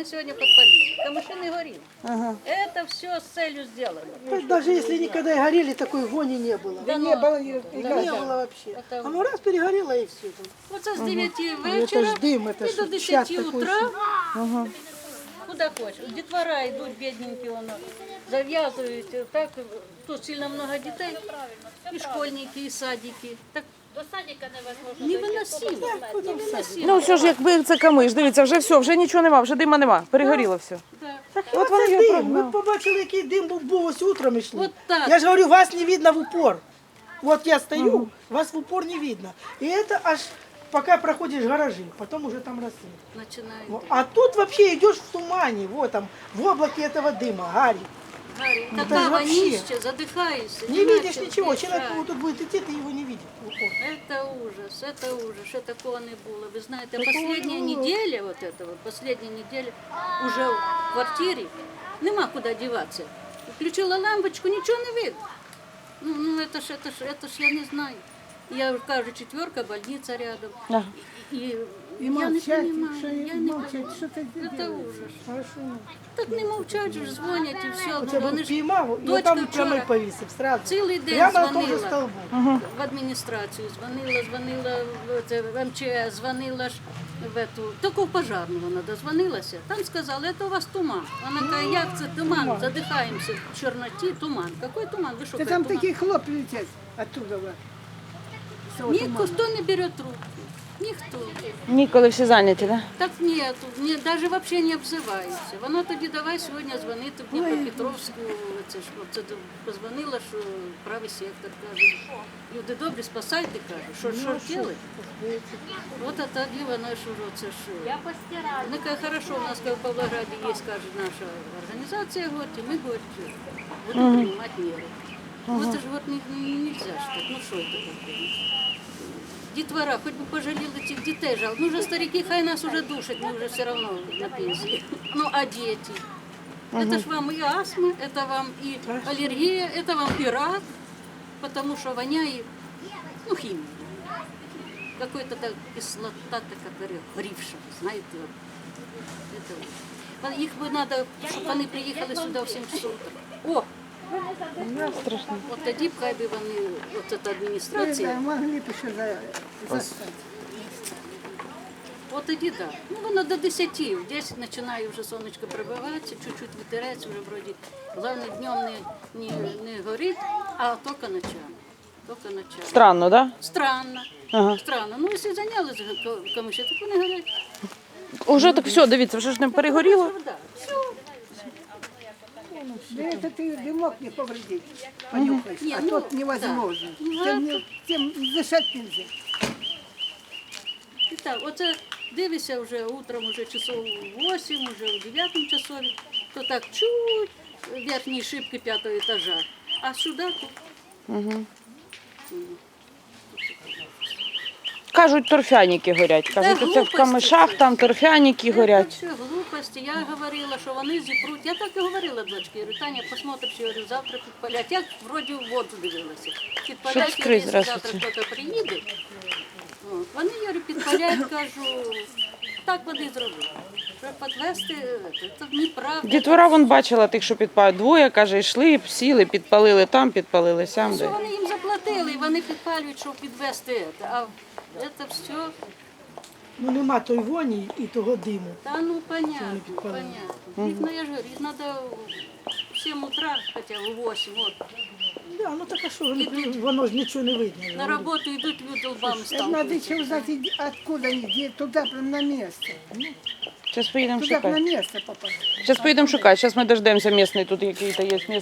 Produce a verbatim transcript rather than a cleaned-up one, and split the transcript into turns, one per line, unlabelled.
они сегодня подпалили. Камыши не горели.
Ага.
Это все с целью сделано.
Даже если никогда и горели, такой вони не было.
Да
Не
ну,
было ни-
Не
никогда.
было вообще.
Это-
А ну раз перегорело и все.
Вот с девяти
Ну, это
вечера
ж дым, это
и
ж
до
чад
десяти
такой,
утра.
Ага.
Куда хочешь. Детвора идут бедненькие, воно, зав'язують. Так, тут сильно много детей. И школьники, и садики. Так
До садика невозможно.
невыносимо. Невыносимо.
Ну все ж якби це камиш, дивіться, вже все, вже нічого нема, вже дима нема, перегоріло все.
Да.
От вони
Це
його
дим. Ви
прогнали.
б побачили, який дим був, був ось утром йшли.
Вот так.
Я ж говорю, вас не видно в упор. Вот я стою, вас в упор не видно. И это аж пока проходишь гаражи, потом уже там рассвет.
Начинает.
Вот. А тут вообще идешь в тумане, вот там, в облаке этого дыма, гарь.
Гарри,
Ну, это
такая
же вообще.
вонища, задыхаешься.
Не видишь
начал
ничего.
дышать.
Человек вот тут будет идти, ты его не видишь в упор.
Это ужас, это ужас, що такого не було. Ви знаєте,
Такого
последняя
не було.
неделя, вот это вот, последняя неделя, уже в квартирі, нема куди діватися. Включила лампочку, нічого не видно. Ну, ну это ж, это ж, это ж я не знаю. Я кажу, четверка, больница рядом.
Ага.
И, и
И
я не
молчать,
понимаю,
что
я не
молчать,
понимаю.
что ты
Это
делаешь?
ужас.
Хорошо.
Так не мовчать, же ж дзвонять і все.
Вот
Ну,
я
вони
был
ж
поймал, и
дочка
там прямо
вчора
повесив сразу.
цілий день
Прямо на том же
дзвонила.
столбу.
В адміністрацію дзвонила, дзвонила в це, в ем че ес, дзвонила ж в эту, тільки в пожарну вона дозвонилася. Там сказали, це у вас туман. Вона каже, як це туман? Задихаємося в чорноті, туман. Який туман? Ви що,
Та
каже,
там
туман?
такі хлопці летять оттуда. вот.
Ніхто не бере трубку. Ніхто.
Ніколи всі зайняті, так?
Так нету, ні, навіть взагалі не обзивається. Вона тоді давай сьогодні дзвонити в Дніпропетровську, це ж це позвонила, що правий сектор, каже, люди добрі, спасайте, каже, що, що ж робити? От а тоді вона ж, це ж,
Я постираю.
вона каже, хорошо, у нас в Павлограді є, каже, наша організація, говорить, і ми, говорить, будемо приймати міри. Вот ж вот нельзя ж так, ну що це таке? Дітвора, хоч би пожаліли цих дітей, жал. Ну вже старики, хай нас уже душать, ми вже все одно на пенсії. Ну а діти? Это ж вам и астма, это вам и аллергия, это вам и рак, потому что воняет, ну, химия. Какой-то так кислота, такая гривша, знаете. Вот. Это вот. Их бы надо, чтобы они приехали сюда в семь часов утра. О!
Страшно.
От тоді б хай би вони, от ця адміністрація,
Могли б ще за...
от тоді так. Да. Ну воно до десяти, в десять починає вже сонечко прибиватися, чуть-чуть вітерець, вже вроді, головне днем не, не, не горить, а тільки ночами. Тільки ночами.
Странно, так?
Странно.
Ага.
Странно. Ну, якщо зайнялися камиші, так вони горять.
Уже так все, дивіться, вже ж не перегоріло.
Да. Все.
Да это ты дымок не повредить, понюхаешь,
Не,
а
ну,
тот невозможно.
да.
Тем, не- тем дышать нельзя.
І так, оце дивишся вже утром, уже часов вісім, уже в дев'ятому часові, то так чуть верхні шибки п'ятого етажа, а сюди тут.
Кажуть, торфяники горять. Кажуть,
Та
оце в
глупості
камишах
це.
там торфяники
Це
горять.
все глупості. Я говорила, що вони зіпруть. Я так і говорила дочці. Я говорю, Таня, посмотриш, я говорю, завтра підпалять. Я вроді в воду дивилася. Підпалять,
Щоб скрить,
якщо завтра
здравствуйте.
хтось приїде. От. Вони, я говорю, підпалять, кажу, так вони зробили. Щоб підвести, це неправда.
Дітвора вон бачила тих, що підпалюють. Двоє, каже, йшли, сіли, підпалили там, підпалили сям.
Що
де.
вони їм заплатили, і вони підпалюють, щоб підвести це. А це все,
Ну нема той воні і того диму.
та ну понятно,
підпалили.
понятно. Їх, ну, я ж говорю, їх треба в сім утра, хоча в вісім, от.
Да, ну так а що, воно- воно ж нічого не видно.
На роботу йдуть люди лбами
Это надо
сталкиваются.
еще узнать, иди- откуда они, где, туда прям на место.
Зараз поїдемо
Туда б на
шукати.
место попасть.
Зараз поїдемо шукати. Зараз ми дождемося місний, тут який-то є місний